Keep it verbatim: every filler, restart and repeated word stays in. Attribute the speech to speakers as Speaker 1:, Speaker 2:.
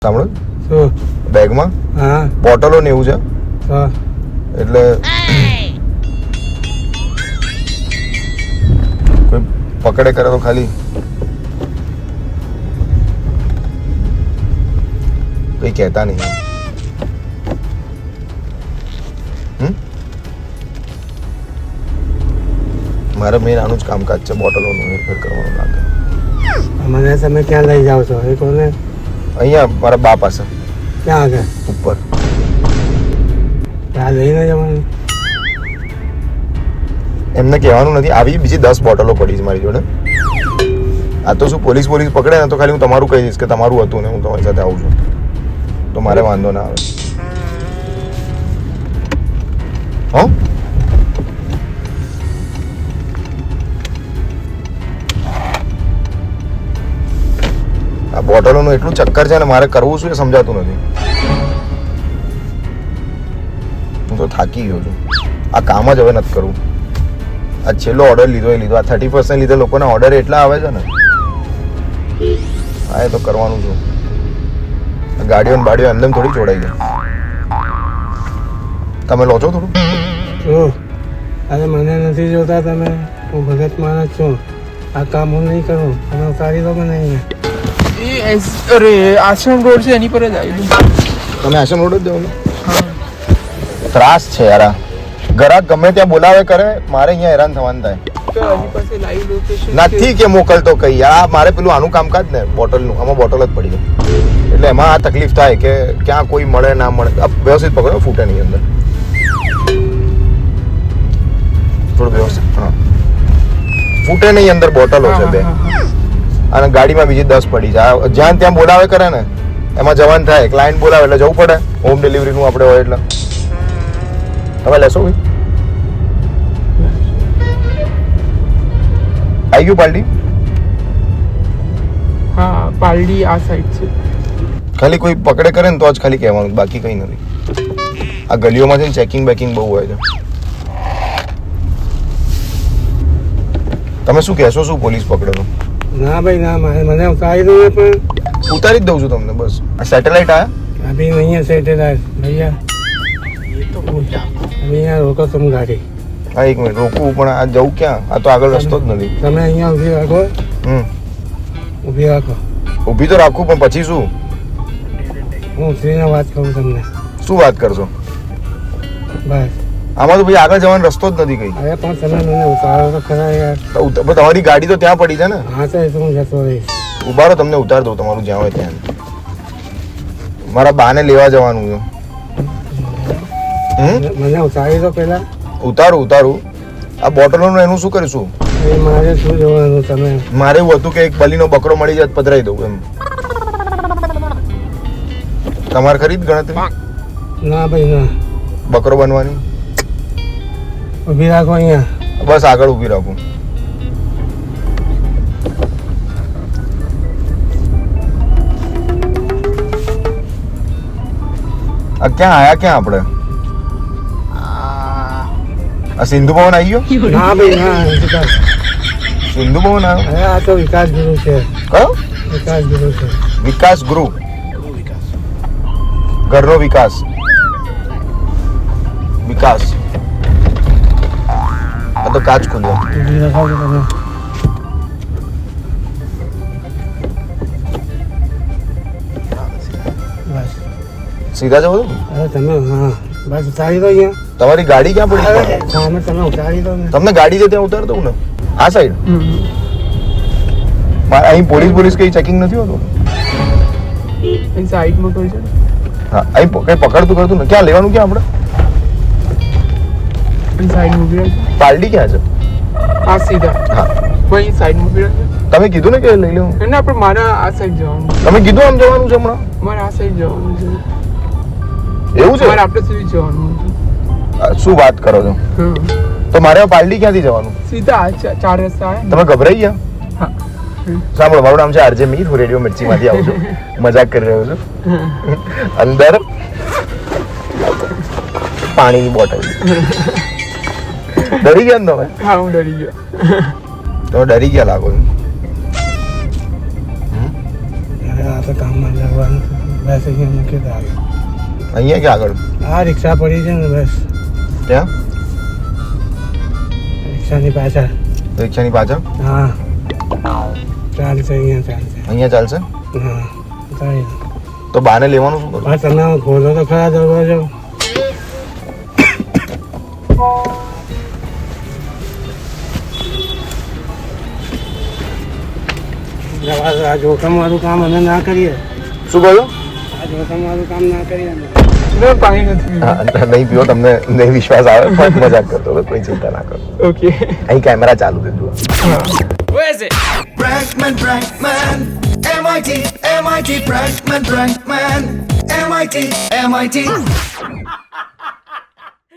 Speaker 1: સાંભળો
Speaker 2: શું
Speaker 1: બેગમાં
Speaker 2: હા
Speaker 1: બોટલો ને એવું છે
Speaker 2: હા
Speaker 1: એટલે કોઈ પકડે કરે તો ખાલી કઈ કહેતા નહીં હમ મારે મેન આનું જ કામકાજ છે બોટલોનું હેરફેર કરવાનું લાગે
Speaker 2: મને તમે ક્યાં લઈ જાઓ છો એ કોને
Speaker 1: અહીંયા મારા બા પાસે
Speaker 2: ક્યાં આગળ
Speaker 1: ઉપર
Speaker 2: ત્યાં લઈને જવાનું
Speaker 1: એમને કહેવાનું નથી આવી બીજી દસ બોટલો પડી છે મારી જોડે આ તો શું પોલીસ પોલીસ પકડે ને તો ખાલી હું તમારું કહી દઈશ કે તમારું હતું ને હું તમારી સાથે આવું છું તો મારે વાંધો ના આવે હો આ બોટલોનું એટલું ચક્કર છે ને મારે કરવું શું એ સમજાતું નથી હું તો થાકી ગયો છું આ કામ જ હવે નથી કરવું આ છેલ્લો ઓર્ડર લીધો એ લીધો આ થર્ટી પર્સન્ટ લીધે લોકોના ઓર્ડર એટલા આવે છે ને હા એ તો કરવાનું છું ગાડીઓ ને બાડીઓ અંદર થોડી જોડાઈ ગઈ તમે લો છો થોડું
Speaker 2: શું અરે મને નથી જોતા તમે હું ભગત માણસ છું આ કામ હું નહીં કરું તમે ઉતારી દો મને અહીંયા
Speaker 3: એ અરે આશ્રમ રોડ છે એની પર જ આવેલું
Speaker 1: તમે આશ્રમ રોડ જ દેવો ત્રાસ છે યાર આ ગ્રાહક ગમે ત્યાં બોલાવે કરે મારે અહીંયા હેરાન થવાનું થાય
Speaker 3: તો એની પાસે લાઈવ લોકેશન
Speaker 1: નથી કે મોકલતો કઈ આ મારે પેલું આનું કામકાજ ને બોટલનું આમાં બોટલ જ પડી ગઈ એટલે એમાં આ તકલીફ થાય કે ક્યાં કોઈ મળે ના મળે આ વ્યવસ્થિત પકડો ફૂટે નહીં અંદર થોડું વ્યવસ્થિત હા ફૂટે નહીં અંદર બોટલો છે બે અને ગાડીમાં બીજી દસ પડી છે જ્યાં ત્યાં બોલાવે કરે ને એમાં જવાન થાય ક્લાયન્ટ બોલાવે એટલે જવું પડે હોમ ડિલિવરીનું આપણે હોય એટલે તમે લેશો ભાઈ આવી ગયું પાલટી
Speaker 3: હા પાલડી આ સાઈડ છે
Speaker 1: ખાલી કોઈ પકડે કરે ને તો જ ખાલી કહેવાનું બાકી કંઈ નથી આ ગલીઓમાં છે ને ચેકિંગ બેકિંગ બહુ હોય છે તમે શું કહેશો શું પોલીસ પકડે તો
Speaker 2: ના ભાઈ ના મારે મને ઉતારી દો પણ
Speaker 1: ઉતારી જ દઉં છું તમને બસ આ સેટેલાઇટ આયા
Speaker 2: अभी नहीं है सेटेलाइट भैया
Speaker 3: એ તો બોલ્યા
Speaker 2: अभी यहाँ रोको तुम गाड़ी
Speaker 1: હા એક મિનિટ રોકવું પણ આ જવું ક્યાં આ તો આગળ રસ્તો જ નથી
Speaker 2: તમે અહીંયા ઊભી રાખો
Speaker 1: હમ
Speaker 2: ઊભી રાખો
Speaker 1: ઊભી તો રાખું પણ પછી શું
Speaker 2: હું ઉતરીને વાત કરું તમને
Speaker 1: શું વાત કરશો
Speaker 2: બસ
Speaker 1: આમાં તો ભાઈ આગળ જવાનો રસ્તો જ નથી કઈ
Speaker 2: અરે પણ તમે મને ઉતારો તો ખરા યાર
Speaker 1: તો ઉત- પણ તમારી ગાડી તો ત્યાં પડી છે ને
Speaker 2: હા તો એ તો હું જતો રહીશ
Speaker 1: ઉભા રહો તમને ઉતાર દઉં તમારું જ્યાં હોય ત્યાં મારા બાને લેવા જવાનું છે હમ
Speaker 2: મને ઉતારી દો પહેલા
Speaker 1: ઉતારું ઉતારું આ બોટલોનું એનું શું કરીશું
Speaker 2: એ મારે શું જોવાનું તમે
Speaker 1: મારે એવું હતું કે એક બલીનો બકરો મળી જાય તો પધરાઈ દઉં એમ તમારે ખરી જ ગણતરી
Speaker 2: ના ભાઈ ના
Speaker 1: બકરો બનવાની
Speaker 2: ઊભી રાખો અહીંયા
Speaker 1: બસ આગળ ઊભી રાખું આ ક્યાં આયા ક્યાં આપણે આ સિંધુ ભવન આવી ગયો
Speaker 2: ના ભાઈ ના વિકાસ
Speaker 1: સિંધુ ભવન આવ્યો
Speaker 2: અરે આ તો વિકાસ ગુરુ છે
Speaker 1: કયો
Speaker 2: વિકાસ ગુરુ છે
Speaker 1: વિકાસ ગૃહ ઘરનો વિકાસ વિકાસ આ તો કાચ ખુલ્યો
Speaker 2: ઊભી રાખો છો તમે બસ
Speaker 1: સીધા જવો
Speaker 2: અરે તમે હા બસ ઉતારી દો અહીંયા
Speaker 1: તમારી ગાડી ક્યાં પડી છે?
Speaker 2: સામે તમે ઉતારી દો ને
Speaker 1: તમને ગાડી છે ત્યાં ઉતાર દઉં ને આ સાઈડ મારે અહીં પોલીસ પોલીસ કઈ ચેકિંગ નથી હોતું
Speaker 3: એ સાઈડમાં કોઈ છે ને
Speaker 1: હા અહીં પ- કઈ પકડતું કરતું ને ક્યાં લેવાનું ક્યાં આપણે
Speaker 3: એ સાઈડમાં ઉભી રાખજો
Speaker 1: પાલડી ક્યાં છે
Speaker 3: આ સીધા
Speaker 1: હા
Speaker 3: કોઈ સાઈડમાં ઉભી રાખજો
Speaker 1: તમે કીધું ને કે લઈ લેવું
Speaker 3: એને આપણે મારા આ સાઈડ જવાનું
Speaker 1: તમે કીધું આમ જવાનું છે હમણાં
Speaker 3: મારે આ સાઈડ જવાનું છે
Speaker 1: એવું છે
Speaker 3: મારે આપણે સુધી જવાનું છે
Speaker 1: આ શું વાત કરો છો
Speaker 3: હા
Speaker 1: તો મારે હવે પાલડી ક્યાંથી જવાનું
Speaker 3: સીધા આ ચા- ચાર રસ્તા આવે ને
Speaker 1: તમે ગભરાઈ ગયા
Speaker 3: હા
Speaker 1: સાંભળો મારું નામ છે આરજે મીર હું રેડિયો મિર્ચીમાંથી આવું છું મજાક કરી રહ્યો છું અંદર પાણીની બોટલ ડરી ગયા ને તમે
Speaker 3: હા હું ડરી ગયો
Speaker 1: તમે ડરી ગયા લાગો છો
Speaker 2: આ તો કામમાં જવાનું છે બસ અહીંયા મૂકી દો આગળ.
Speaker 1: અહીંયા કે આગળ
Speaker 2: આ રિક્ષા પડી છે ને બસ
Speaker 1: ત્યાં
Speaker 2: રિક્ષાની પાછળ.
Speaker 1: રિક્ષાની પાછળ
Speaker 2: હા ચાલશે અહીંયા ચાલશે.
Speaker 1: અહીંયા ચાલશે
Speaker 2: હા ચાલે.
Speaker 1: તો બાને લેવાનું શું કરું
Speaker 2: હા તમે ખોલો તો ખરા દરવાજો. જવા દો, આ જોખમવાળું કામ અમે ના કરીએ.
Speaker 1: શું કહ્યું
Speaker 2: આ જોખમવાળું કામ ના કરીએ અમે.
Speaker 3: ના, પાણી નથી પીવું.
Speaker 1: હા નહીં પીવો તમને નહીં વિશ્વાસ આવે પણ મજાક કરતો હતો કોઈ ચિંતા ના કરો
Speaker 3: ઓકે
Speaker 1: અહીં કેમેરા ચાલુ છે જુઓ
Speaker 3: હા
Speaker 4: Prankman, Prankman, M I T, M I T, Prankman, Prankman, M I T, M I T.